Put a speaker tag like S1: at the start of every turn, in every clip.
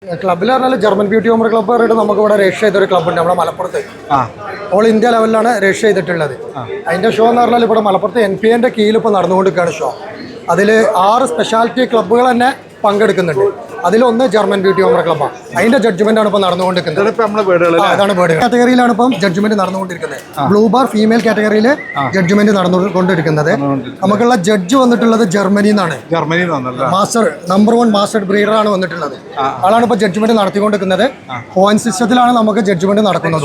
S1: ക്ലബ്ബിൽ പറഞ്ഞാൽ German beauty Homer club പറഞ്ഞിട്ട് നമുക്ക് ഇവിടെ രജിസ്റ്റർ ചെയ്തൊരു ക്ലബ്ബുണ്ട് നമ്മുടെ മലപ്പുറത്ത്. ഓൾ ഇന്ത്യ ലെവലിലാണ് രജിസ്റ്റർ ചെയ്തിട്ടുള്ളത്. അതിൻ്റെ ഷോ എന്ന് പറഞ്ഞാൽ ഇവിടെ മലപ്പുറത്ത് NPA കീഴിൽ ഇപ്പോൾ നടന്നുകൊണ്ടിരിക്കുകയാണ് ഷോ. അതിൽ 6 സ്പെഷ്യാലിറ്റി ക്ലബ്ബുകൾ തന്നെ പങ്കെടുക്കുന്നുണ്ട്. അതിലൊന്ന് ജർമ്മൻ ബ്യൂട്ടി ഹോമർ ക്ലബ്ബാണ്. അതിന്റെ ജഡ്ജ്മെന്റ് ആണ് ഇപ്പോൾ നടന്നുകൊണ്ടിരിക്കുന്നത്. അതാണ് ബേർഡ് കാറ്റഗറിയിലാണ് ഇപ്പം ജഡ്ജ്മെന്റ് നടന്നുകൊണ്ടിരിക്കുന്നത്. ബ്ലൂ ബാർ ഫീമെയിൽ കാറ്റഗറിയിൽ ജഡ്ജ്മെന്റ് നടന്നുകൊണ്ടിരിക്കുന്നത്. നമുക്കുള്ള ജഡ്ജ് വന്നിട്ടുള്ളത് ജർമ്മനിയിൽ നിന്നാണ്. മാസ്റ്റർ നമ്പർ 1 മാസ്റ്റർ ബ്രീഡർ ആണ് വന്നിട്ടുള്ളത്. ആളാണ് ഇപ്പോൾ ജഡ്ജ്മെന്റ് നടത്തിക്കൊണ്ടിരിക്കുന്നത്. പോയിന്റ് സിസ്റ്റത്തിലാണ് നമുക്ക് ജഡ്ജ്മെന്റ് നടക്കുന്നത്.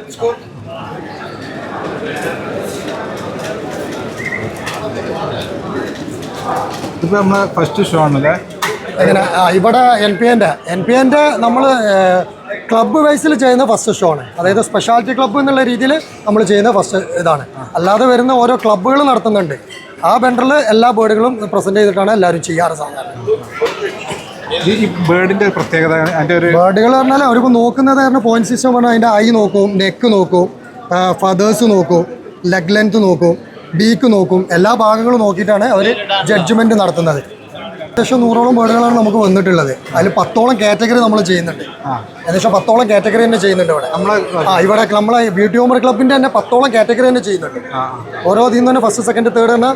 S2: ഇപ്പൊ നമ്മളെ ഫസ്റ്റ് ഷോ ആണല്ലേ
S1: എങ്ങനെ? ഇവിടെ NPA നമ്മൾ ക്ലബ്ബ് വൈസിൽ ചെയ്യുന്ന ഫസ്റ്റ് ഷോ ആണ്. അതായത് സ്പെഷ്യാലിറ്റി ക്ലബ്ബ് എന്നുള്ള രീതിയിൽ നമ്മൾ ചെയ്യുന്ന ഫസ്റ്റ് ഇതാണ്. അല്ലാതെ വരുന്ന ഓരോ ക്ലബ്ബുകൾ നടത്തുന്നുണ്ട്. ആ ബെൻഡറിൽ എല്ലാ ബേർഡുകളും പ്രസന്റ് ചെയ്തിട്ടാണ് എല്ലാവരും ചെയ്യാറ് സാധാരണ.
S2: ഈ ബേർഡിന്റെ പ്രത്യേകത
S1: ബേർഡുകൾ പറഞ്ഞാൽ അവർക്ക് നോക്കുന്നത് കാരണം പോയിന്റ് സിസ്റ്റം പറഞ്ഞാൽ അതിൻ്റെ ഐ നോക്കും, നെക്ക് നോക്കും, ഫദേഴ്സ് നോക്കും, ലെഗ് ലെങ്ത് നോക്കും, ബീക്ക് നോക്കും. എല്ലാ ഭാഗങ്ങളും നോക്കിയിട്ടാണ് അവർ ജഡ്ജ്മെന്റ് നടത്തുന്നത്. ഏകദേശം 100ഓളം ബേർഡുകളാണ് നമുക്ക് വന്നിട്ടുള്ളത്. അതിൽ 10ഓളം കാറ്റഗറി നമ്മൾ ചെയ്യുന്നുണ്ട്. ഏകദേശം 10ഓളം കാറ്റഗറി തന്നെ ചെയ്യുന്നുണ്ട് ഇവിടെ. ഇവിടെ നമ്മളെ ബ്യൂട്ടി ഹോമർ ക്ലബിന്റെ തന്നെ 10ഓളം കാറ്റഗറി തന്നെ ചെയ്യുന്നുണ്ട്. ഓരോ ഇതിൽ തന്നെ ഫസ്റ്റ് സെക്കൻഡ് തേർഡ് തന്നെ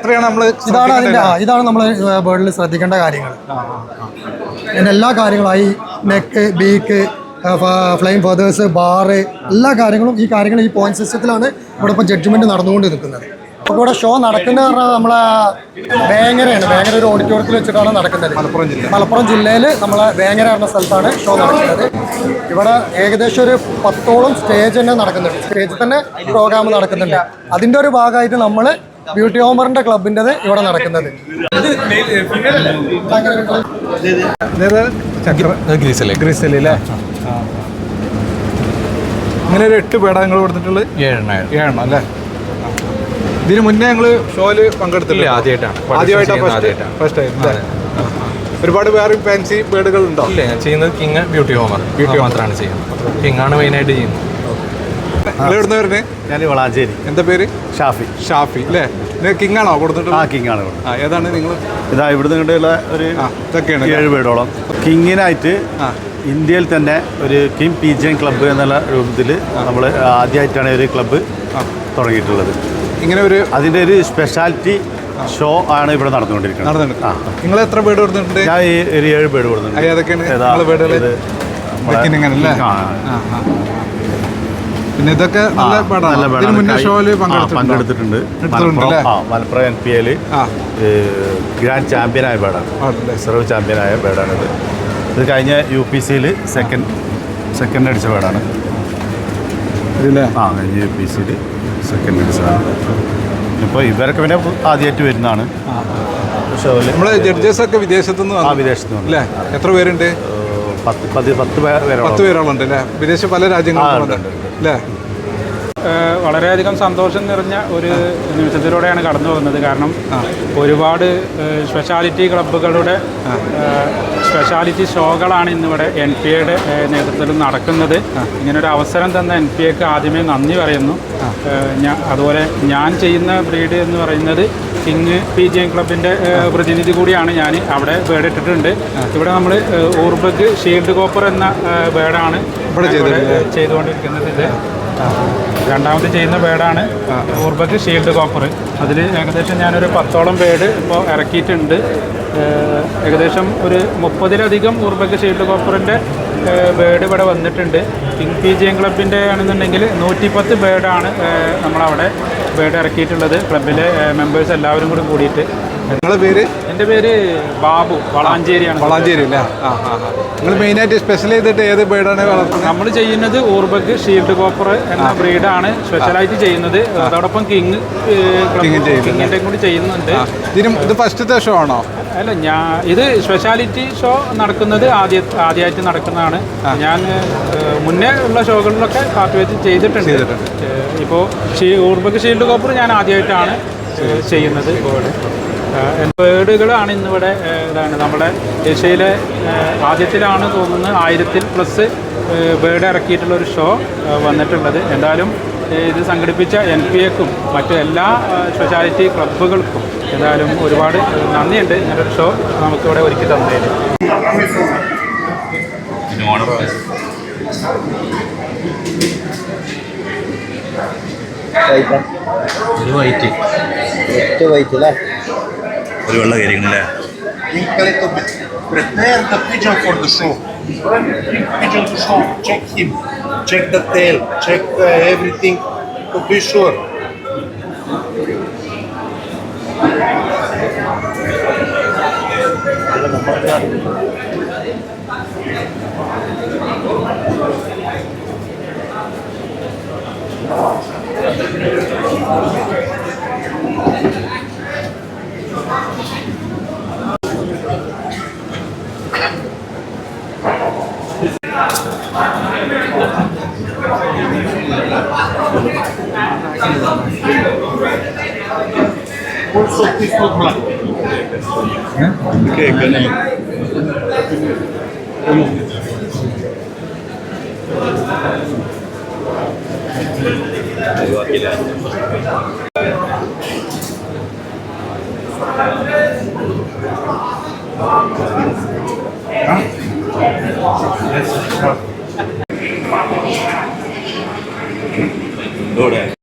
S1: ഇതാണ് നമ്മൾ ബേർഡിൽ ശ്രദ്ധിക്കേണ്ട കാര്യങ്ങൾ. അതിൻ്റെ എല്ലാ കാര്യങ്ങളും eye, neck, beak, flight feathers, bar, എല്ലാ കാര്യങ്ങളും ഈ കാര്യങ്ങൾ ഈ പോയിന്റ് സിസ്റ്റത്തിലാണ് ഇവിടെ ഇപ്പോൾ ജഡ്ജ്മെന്റ് നടന്നുകൊണ്ട് നിൽക്കുന്നത്. അപ്പോൾ ഇവിടെ ഷോ നടക്കുന്നത് പറഞ്ഞാൽ നമ്മളെ വേങ്ങരയാണ്. വേങ്ങര ഒരു ഓഡിറ്റോറിയത്തിൽ വെച്ചിട്ടാണ് നടക്കുന്നത്. മലപ്പുറം ജില്ലയിൽ നമ്മളെ വേങ്ങര എന്ന സ്ഥലത്താണ് ഷോ നടക്കുന്നത്. ഇവിടെ ഏകദേശം ഒരു 10ഓളം സ്റ്റേജ് തന്നെ നടക്കുന്നുണ്ട്. സ്റ്റേജിൽ തന്നെ പ്രോഗ്രാം നടക്കുന്നുണ്ട്. അതിൻ്റെ ഒരു ഭാഗമായിട്ട് നമ്മൾ ബ്യൂട്ടി ഹോമറിൻ്റെ ക്ലബിൻ്റെത് ഇവിടെ നടക്കുന്നത്.
S2: ഇങ്ങനെ ഒരു 8 പേട നിങ്ങൾ കൊടുത്തിട്ടുള്ളത് 7 അല്ലേ? ഇതിന് മുന്നേ ഞങ്ങൾ ഷോയില് പങ്കെടുത്തില്ല. ആദ്യമായിട്ടാണ് ഫസ്റ്റ് ടൈം. ഒരുപാട് വേറെ ഫാൻസി ബേർഡുകൾ ഉണ്ടോ?
S3: ഇല്ല, ഞാൻ ചെയ്യുന്നത് കിങ് ബ്യൂട്ടി ഹോമർ മാത്രമാണ് ചെയ്യുന്നത്. കിങ്ങാണ് മെയിനായിട്ട് ചെയ്യുന്നത്.
S2: എവിടുന്ന് വരുന്നത്?
S4: ഞാൻ വളാഞ്ചേരി.
S2: എന്താ പേര്?
S4: ഷാഫി
S2: അല്ലേ? കിങ് ആണോ കൊടുത്തിട്ടുള്ളത്?
S4: കിങ് ആണ്.
S2: ഏതാണ് നിങ്ങൾ?
S4: ഇതാ ഇവിടുന്ന് ഇങ്ങോട്ടുള്ള ഒരു 7 പേടോളം കിങ്ങിനായിട്ട് ഇന്ത്യയിൽ തന്നെ ഒരു കിങ് PGN ക്ലബ്ബ് എന്നുള്ള രൂപത്തിൽ നമ്മൾ ആദ്യമായിട്ടാണ് ഒരു ക്ലബ്ബ് തുടങ്ങിയിട്ടുള്ളത്.
S2: ഇങ്ങനെ ഒരു
S4: അതിൻ്റെ ഒരു സ്പെഷ്യാലിറ്റി ഷോ ആണ് ഇവിടെ നടന്നുകൊണ്ടിരിക്കുന്നത്.
S2: നിങ്ങൾ എത്ര ബേർഡ് കൊടുത്തിട്ടുണ്ട്?
S4: ഞാൻ ഒരു 7 ബേർഡ് കൊടുത്തിട്ടുണ്ട്.
S2: പിന്നെ ഇതൊക്കെ
S4: പങ്കെടുത്തിട്ടുണ്ട്. മലപ്പുറം NPA ഗ്രാൻഡ് ചാമ്പ്യനായ ബേർഡാണ്. റിസർവ് ചാമ്പ്യനായ ബേർഡാണിത്. ഇത് കഴിഞ്ഞ UPC സെക്കൻഡ് അടിച്ച ബേർഡാണ്. കഴിഞ്ഞ UPC സെക്കൻഡ് അടിച്ചതാണ്. ഇപ്പോൾ ഇവരൊക്കെ പിന്നെ ആദ്യമായിട്ട് വരുന്നതാണ് ഷോയിൽ.
S2: നമ്മളെ ജഡ്ജസൊക്കെ വിദേശത്തുനിന്ന്
S4: വിദേശത്തുനിന്ന്
S2: അല്ലേ? എത്ര പേരുണ്ട്?
S4: 10 പേരോളം
S2: ഉണ്ട് അല്ലേ? വിദേശ പല രാജ്യങ്ങളുണ്ട് അല്ലേ?
S5: വളരെയധികം സന്തോഷം നിറഞ്ഞ ഒരു നിമിഷത്തിലൂടെയാണ് കടന്നു പോകുന്നത്. കാരണം ഒരുപാട് സ്പെഷ്യാലിറ്റി ക്ലബ്ബുകളുടെ സ്പെഷ്യാലിറ്റി ഷോകളാണ് ഇന്നിവിടെ NPA നേതൃത്വത്തിൽ നടക്കുന്നത്. ഇങ്ങനൊരു അവസരം തന്ന NPAക്ക് ആദ്യമേ നന്ദി പറയുന്നു. അതുപോലെ ഞാൻ ചെയ്യുന്ന ബ്രീഡ് എന്ന് പറയുന്നത് കിങ് PGN ക്ലബിൻ്റെ പ്രതിനിധി കൂടിയാണ്. ഞാൻ അവിടെ ബേർഡ് ഇട്ടിട്ടുണ്ട്. ഇവിടെ നമ്മൾ ഊർബഗ് ഷീൽഡ് കോപ്പർ എന്ന ബേർഡാണ് ഇവിടെ ചെയ്തുകൊണ്ടിരിക്കുന്നത്. ഇത് രണ്ടാമത് ചെയ്യുന്ന ബേർഡാണ് ഊർബഗ് ഷീൽഡ് കോപ്പർ. അതിൽ ഏകദേശം ഞാനൊരു 10ഓളം ബേർഡ് ഇപ്പോൾ ഇറക്കിയിട്ടുണ്ട്. ഏകദേശം ഒരു 30ലധികം ഊർബഗ് ഷീൽഡ് കോപ്പറിൻ്റെ ബേർഡ് ഇവിടെ വന്നിട്ടുണ്ട്. കിങ് PGN ക്ലബിൻ്റെ ആണെന്നുണ്ടെങ്കിൽ 110 ബേർഡാണ് നമ്മളവിടെ ബേർഡ് ഇറക്കിയിട്ടുള്ളത്. ക്ലബിലെ മെമ്പേഴ്സ് എല്ലാവരും കൂടി കൂടിയിട്ട്.
S2: നിങ്ങളുടെ പേര്?
S5: എൻ്റെ പേര് ബാബു, വളാഞ്ചേരിയാണ്.
S2: വളാഞ്ചേരി അല്ലേ? നിങ്ങൾ മെയിനായിട്ട് സ്പെഷ്യൽ ചെയ്തിട്ട് ഏത് ബേർഡാണ് വളർത്തുന്നത്?
S5: നമ്മൾ ചെയ്യുന്നത് ഊർബഗ് ഷീൽഡ് കോപ്പർ എന്ന ബ്രീഡാണ് സ്പെഷ്യലായിട്ട് ചെയ്യുന്നത്. അതോടൊപ്പം കിങ്ങിൻ്റെ കൂടി ചെയ്യുന്നുണ്ട്.
S2: ഇത് ഫസ്റ്റത്തെ ഷോ ആണോ?
S5: അല്ല, ഇത് സ്പെഷ്യാലിറ്റി ഷോ നടക്കുന്നത് ആദ്യമായിട്ട് നടക്കുന്നതാണ്. ഞാൻ മുന്നേ ഉള്ള ഷോകളിലൊക്കെ പാർട്ടിസിപ്പേറ്റ് ചെയ്തിട്ടുണ്ട്. ഇപ്പോൾ ഊർബഗ് ഷീൽഡ് കോപ്പർ ഞാൻ ആദ്യമായിട്ടാണ് ചെയ്യുന്നത്. ബേർഡുകളാണ് ഇന്നിവിടെ നമ്മുടെ ഏഷ്യയിലെ ആദ്യത്തിലാണ് തോന്നുന്നത് 1000+ ബേർഡ് ഇറക്കിയിട്ടുള്ളൊരു ഷോ വന്നിട്ടുള്ളത്. എന്തായാലും ഇത് സംഘടിപ്പിച്ച NPAക്കും മറ്റു എല്ലാ സ്പെഷ്യാലിറ്റി ക്ലബ്ബുകൾക്കും എന്തായാലും ഒരുപാട് നന്ദിയുണ്ട്. ഇങ്ങനൊരു ഷോ നമുക്കിവിടെ ഒരുക്കി തന്നതിന്.
S6: ഓണർ ഒരു വൈറ്റ് ഒരു വെള്ള കരിക്കണല്ലേ
S7: Prepare the pigeon for the show. Pigeon to show. Check him. Check the tail. Check everything to be sure. Also, this look black.
S6: Okay, good.